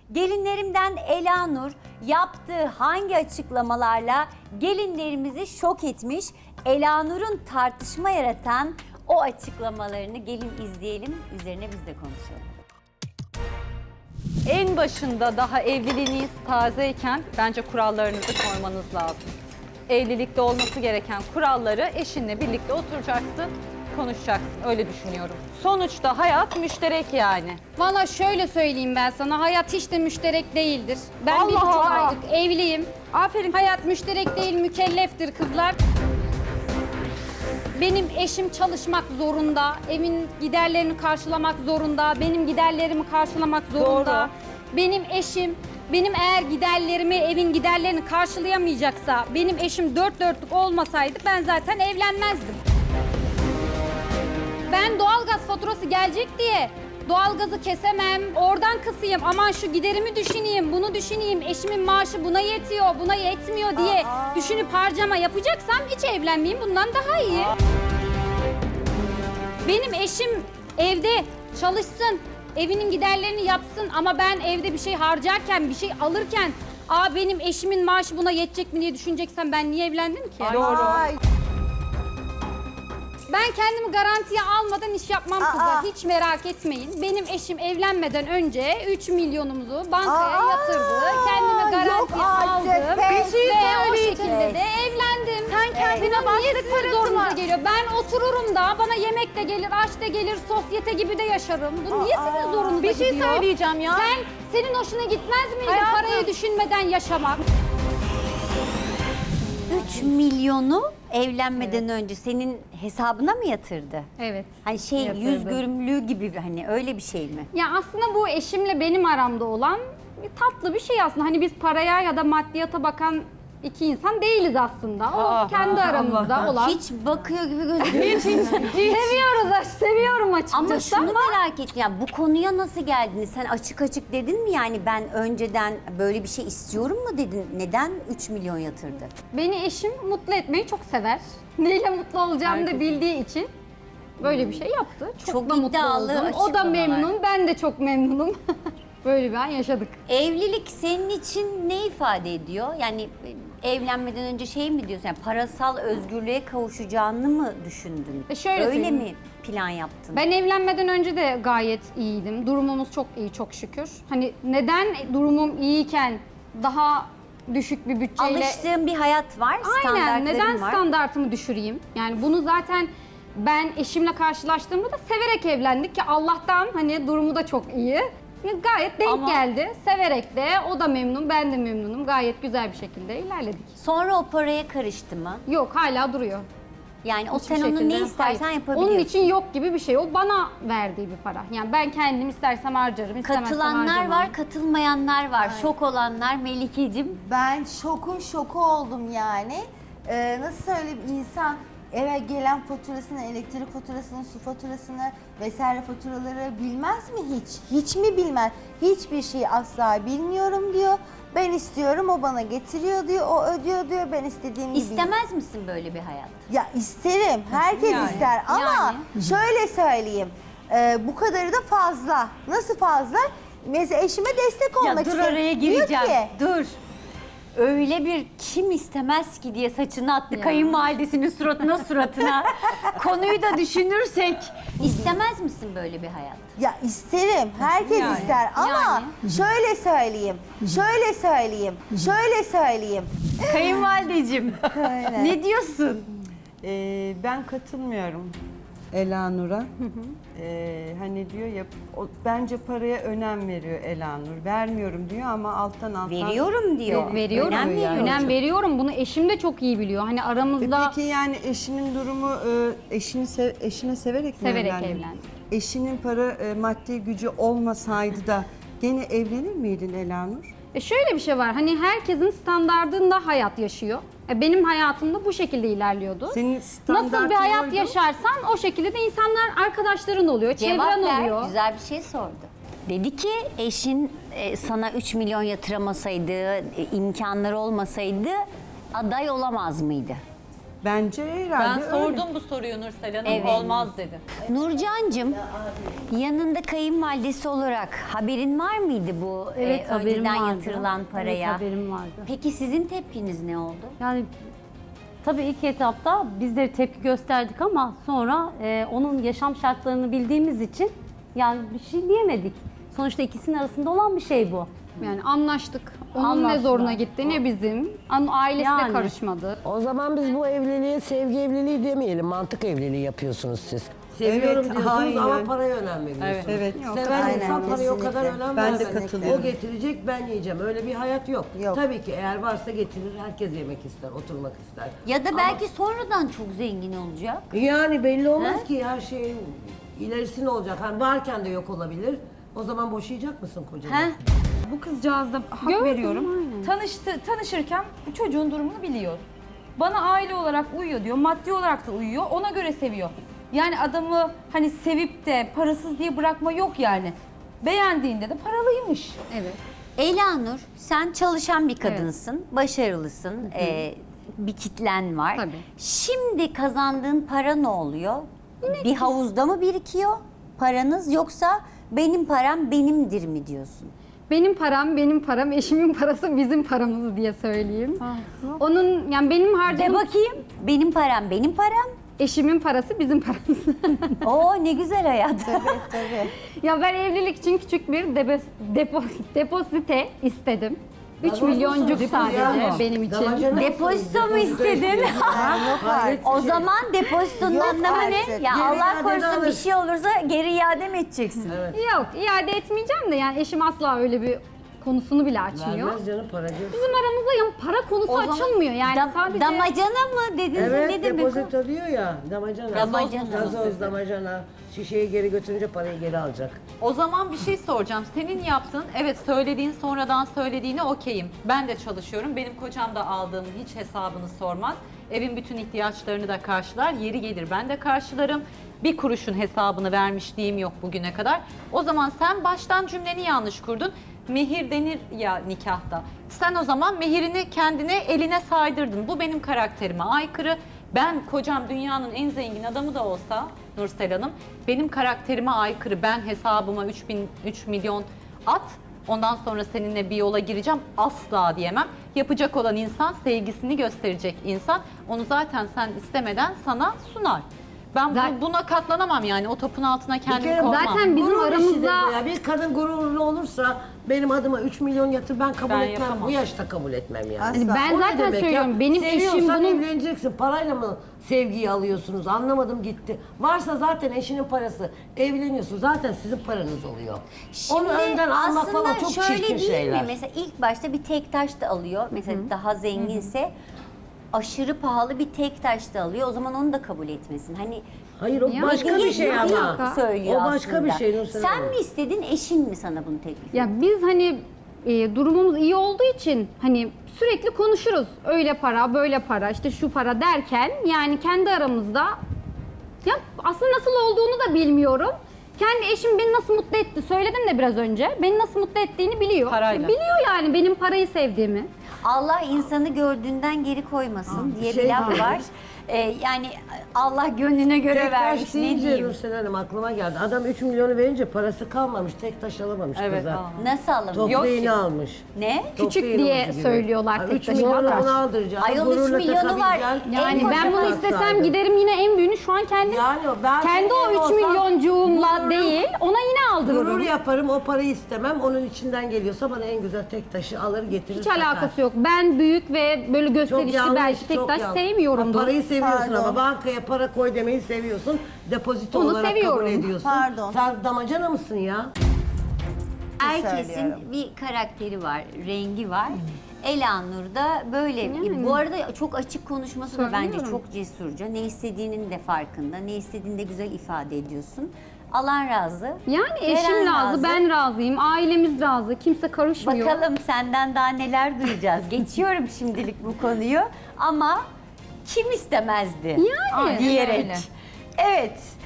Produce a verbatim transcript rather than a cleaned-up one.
Gelinlerimden Elanur yaptığı hangi açıklamalarla gelinlerimizi şok etmiş? Elanur'un tartışma yaratan o açıklamalarını gelin izleyelim, üzerine biz de konuşalım. En başında daha evliliğiniz tazeyken bence kurallarınızı koymanız lazım. Evlilikte olması gereken kuralları eşinle birlikte oturacaksın, konuşacaksın. Öyle düşünüyorum. Sonuçta hayat müşterek yani. Valla şöyle söyleyeyim ben sana, hayat hiç de müşterek değildir. Ben Allah bir buçuk Allah. aylık evliyim. Aferin. Hayat müşterek değil, mükelleftir kızlar. Benim eşim çalışmak zorunda, evin giderlerini karşılamak zorunda, benim giderlerimi karşılamak zorunda. Doğru. Benim eşim, benim eğer giderlerimi, evin giderlerini karşılayamayacaksa, benim eşim dört dörtlük olmasaydı ben zaten evlenmezdim. Ben doğalgaz faturası gelecek diye doğalgazı kesemem, oradan kısayım, aman şu giderimi düşüneyim, bunu düşüneyim, eşimin maaşı buna yetiyor, buna yetmiyor diye Aa. düşünüp harcama yapacaksam hiç evlenmeyeyim, bundan daha iyi. Aa. Benim eşim evde çalışsın, evinin giderlerini yapsın ama ben evde bir şey harcarken, bir şey alırken aa benim eşimin maaşı buna yetecek mi diye düşüneceksem ben niye evlendim ki? Doğru. Ben kendimi garantiye almadan iş yapmam kızlar. Hiç merak etmeyin. Benim eşim evlenmeden önce üç milyonumuzu bankaya Aa, yatırdı. Kendimi yok garantiye artık. aldım. Bir şey Ve o söyleyeceğim. şekilde de evlendim. Sen kendine Bunun niye başlık sizin parası zorunuza var. geliyor? Ben otururum da bana yemek de gelir, aş da gelir, sosyete gibi de yaşarım. Bu niye sizin zorunuza Bir şey gidiyor? söyleyeceğim ya. Sen, senin hoşuna gitmez miydi Hayatım. parayı düşünmeden yaşamak? üç milyonu evlenmeden önce senin hesabına mı yatırdı? Evet. Hani şey Yatırdı. yüz görümlüğü gibi hani öyle bir şey mi? Ya aslında bu eşimle benim aramda olan bir tatlı bir şey aslında. Hani biz paraya ya da maddiyata bakan iki insan değiliz aslında. O Aa, kendi aramızda olan. Hiç bakıyor gibi gözüküyor. Seviyoruz, aş- seviyorum açıkçası Ama şunu ama merak ettim ya, bu konuya nasıl geldiniz? Sen açık açık dedin mi yani ben önceden böyle bir şey istiyorum mu dedin? Neden üç milyon yatırdı? beni eşim mutlu etmeyi çok sever. Neyle mutlu olacağımı da bildiği için böyle bir şey yaptı. Çok, Çok da mutlu iddialı oldum. O da açıklamalar. memnun, ben de çok memnunum. Böyle bir an yaşadık. Evlilik senin için ne ifade ediyor? Yani e, evlenmeden önce şey mi diyorsun? Yani parasal özgürlüğe kavuşacağını mı düşündün? E şöyle Öyle söyleyeyim. mi plan yaptın? Ben evlenmeden önce de gayet iyiydim. Durumumuz çok iyi çok şükür. Hani neden durumum iyiyken daha düşük bir bütçeyle... Alıştığın bir hayat var, Aynen. standartların Neden var. standartımı düşüreyim? Yani bunu zaten ben eşimle karşılaştığımda da severek evlendik ki Allah'tan hani durumu da çok iyi. Ya gayet denk Ama- geldi. Severek de o da memnun, ben de memnunum. Gayet güzel bir şekilde ilerledik. Sonra o paraya karıştı mı? Yok hala duruyor. Yani o Hiçbir sen onu şekilde- ne istersen Hayır. yapabiliyorsun. Onun için yok gibi bir şey. O bana verdiği bir para. Yani ben kendim istersem harcarım, istemezsem Katılanlar harcamam. var, katılmayanlar var. Şok olanlar Melikeciğim. Ben şokun şoku oldum yani. Ee, nasıl söyleyeyim, insan eve gelen faturasını, elektrik faturasını, su faturasını vesaire faturaları bilmez mi hiç? Hiç mi bilmez? Hiçbir şeyi asla bilmiyorum diyor. Ben istiyorum, o bana getiriyor diyor, o ödüyor diyor, ben istediğim gibi. İstemez misin böyle bir hayat? Ya isterim, herkes Yani, ister ama yani. şöyle söyleyeyim, e, bu kadarı da fazla. Nasıl fazla? Mesela eşime destek olmak Ya dur istiyorum. oraya Diyor gireceğim. ki, Dur. Öyle bir kim istemez ki diye saçını attı kayınvalidesinin suratına suratına. Konuyu da düşünürsek istemez misin böyle bir hayat? ya isterim, herkes Yani, ister ama yani. şöyle söyleyeyim, şöyle söyleyeyim, şöyle söyleyeyim. Kayınvalideciğim ne diyorsun? Ee, ben katılmıyorum Elanur'a. Ee, hani diyor ya, o, bence paraya önem veriyor Elanur. Vermiyorum diyor ama alttan alttan... Veriyorum diyor. Veriyorum. Önem Önem veriyorum. Önem veriyorum. Bunu eşim de çok iyi biliyor. Hani E aramızda Peki yani eşinin durumu, e, eşini sev- eşine severek mi Severek evlendin? evlendim. Eşinin para, e, maddi gücü olmasaydı da gene evlenir miydin Elanur? E şöyle bir şey var. Hani herkesin standardında hayat yaşıyor. E benim hayatımda bu şekilde ilerliyordu. Senin standartın Nasıl bir hayat oydu. yaşarsan o şekilde de insanlar arkadaşların oluyor, Cevap çevren ver. oluyor. Güzel bir şey sordu. Dedi ki eşin e, sana üç milyon yatıramasaydı, e, imkanları olmasaydı aday olamaz mıydı? Bence Ben herhalde öyle. sordum bu soruyu Nursel Hanım, Evet. olmaz dedi. Nurcancığım, yanında kayınvalidesi olarak haberin var mıydı bu Evet, e, haberim önceden vardı. yatırılan paraya? Evet, haberim vardı. Peki sizin tepkiniz ne oldu? Yani tabii ilk etapta biz de tepki gösterdik ama sonra e, onun yaşam şartlarını bildiğimiz için yani bir şey diyemedik. Sonuçta ikisinin arasında olan bir şey bu. Yani anlaştık. Onun ne Anlaştılar. zoruna gitti ne bizim. An- Ailesi de Yani. karışmadı. O zaman biz bu evliliğe sevgi evliliği demeyelim, mantık evliliği yapıyorsunuz siz. Seviyorum Evet, diyorsunuz aynen. ama paraya önem veriyorsunuz. Evet. Seven Aynen, insan paraya o kadar kesinlikle. önem Ben de vermez. katılıyorum. O getirecek, ben yiyeceğim. Öyle bir hayat yok. Yok. Tabii ki eğer varsa getirir, herkes yemek ister, oturmak ister. Ya da belki sonradan çok zengin olacak. Yani belli olmaz He? ki her şeyin ilerisi ne olacak. Hani varken de yok olabilir. O zaman boşayacak mısın kocanı? He? Bu kızcağız da hak Gördüm, veriyorum. aynen. Tanıştı, tanışırken bu çocuğun durumunu biliyor. Bana aile olarak uyuyor diyor, maddi olarak da uyuyor, ona göre seviyor. Yani adamı hani sevip de parasız diye bırakma yok yani. Beğendiğinde de paralıymış. Evet. Elanur, sen çalışan bir kadınsın, başarılısın, e, bir kitlen var. Tabii. Şimdi kazandığın para ne oluyor? Bir havuzda mı birikiyor paranız, yoksa benim param benimdir mi diyorsun? Benim param, benim param, eşimin parası bizim paramız diye söyleyeyim. Onun yani benim De harcadığım bakayım, benim param benim param. eşimin parası bizim paramız. Oo ne güzel hayat. Tabii tabii. Ya ben evlilik için küçük bir depo, depo, depozite istedim. üç Gazoz milyoncuk musun? sadece Depozito. benim için. Damacana mısın? Depozito mu Depozito istedin? istiyorsun. Yok artık. O zaman depozitonun Yok anlamı ne? artık. Ya Geri Allah iadeni korusun bir alır. şey olursa geri iade mi edeceksin? Yok, iade etmeyeceğim de yani eşim asla öyle bir konusunu bile açmıyor. Vermez canım paracı. Bizim aramızda yani para konusu O zaman açılmıyor yani Da- sadece. Damacana mı dediniz? Evet, Ne demek o? depozito diyor ya, damacana. Damacana. Gazoz, damacana. Şişeyi geri götürünce parayı geri alacak. O zaman bir şey soracağım. Senin yaptığın, evet söylediğin sonradan söylediğine okeyim. Ben de çalışıyorum. Benim kocam da aldığım hiç hesabını sormaz. Evin bütün ihtiyaçlarını da karşılar. Yeri gelir ben de karşılarım. Bir kuruşun hesabını vermişliğim yok bugüne kadar. O zaman sen baştan cümleni yanlış kurdun. Mehir denir ya nikahta. Sen o zaman mehirini kendine eline saydırdın. Bu benim karakterime aykırı. Ben kocam dünyanın en zengin adamı da olsa Nursel Hanım, benim karakterime aykırı. Ben hesabıma üç bin, üç milyon at. Ondan sonra seninle bir yola gireceğim. Asla diyemem. Yapacak olan insan, sevgisini gösterecek insan. Onu zaten sen istemeden sana sunar. Ben bu- Zaten- buna katlanamam yani. O topun altına Bir kendimi kere koymam. Zaten bizim Gurur işidir aramızda- bu ya. Bir kadın gururlu olursa benim adıma üç milyon yatır ben kabul Ben etmem. yapamam. Bu yaşta kabul etmem yani. Asla. Hani ben O ne zaten demek ya? söylüyorum benim eşim Seviyorsan bunun evleneceksin. Parayla mı sevgiyi alıyorsunuz? Anlamadım gitti. Varsa zaten eşinin parası. Evleniyorsun. Zaten sizin paranız oluyor. Onu önden almak aslında falan çok şöyle çirkin değil şeyler. mi? Mesela ilk başta bir tek taş da alıyor. Mesela daha zenginse aşırı pahalı bir tek taş da alıyor. O zaman onu da kabul etmesin. Hani Hayır o Ya, başka bir şey Hediye ama. söylüyor O başka aslında. bir şey Nursel Sen Hanım. mi istedin, eşin mi sana bunu teklif etti? ya biz hani e, durumumuz iyi olduğu için hani sürekli konuşuruz. Öyle para, böyle para, işte şu para derken yani kendi aramızda ya aslında nasıl olduğunu da bilmiyorum. Kendi eşim beni nasıl mutlu etti söyledim de biraz önce. Beni nasıl mutlu ettiğini biliyor. Parayla. Biliyor yani benim parayı sevdiğimi. Allah insanı gördüğünden geri koymasın diye bir şey laf var. var. Ee, yani Allah gönlüne göre Tek vermiş, taş ne deyince diyeyim. Nursel Hanım aklıma geldi. Adam üç milyonu verince parası kalmamış. Tek taş alamamış Evet, kıza. alamamış. Nasıl alınmış? Toplu Yok ki. iğne almış. Ne? Toplu Küçük iğne diye ucu gibi. söylüyorlar Ha, tek üç taşı milyonu var. ona aldıracağım. Ayol üç Gururla milyonu var. takabileceksin. Yani En ben bunu koca istesem alsaydın. giderim yine en büyüğünü şu an kendim Yani o- ben kendi o senin üç olsam milyoncuğumla gururum- değil ona yine aldırırım. Gurur yaparım, o parayı istemem. Onun içinden geliyorsa bana en güzel tek taşı alır getirir. Hiç takar. alakası yok. Ben büyük ve böyle Çok gösterişli yanlış, belki tek çok taş yanlış. sevmiyorumdur. Ha, parayı seviyorsun Pardon. ama bankaya para koy demeyi seviyorsun. Depozito Onu olarak seviyorum. kabul ediyorsun. Pardon. Sen damacana mısın ya? Herkesin söylüyorum. bir karakteri var, rengi var. Elanur da böyle. Yani. Bu arada çok açık konuşması da bence Söylüyorum. çok cesurca. Ne istediğinin de farkında, ne istediğini de güzel ifade ediyorsun. Alan razı. Yani veren eşim razı, ben razıyım, ailemiz razı, kimse karışmıyor. Bakalım senden daha neler duyacağız. Geçiyorum şimdilik bu konuyu ama kim istemezdi? Yani. diyerek. Öyle. Evet.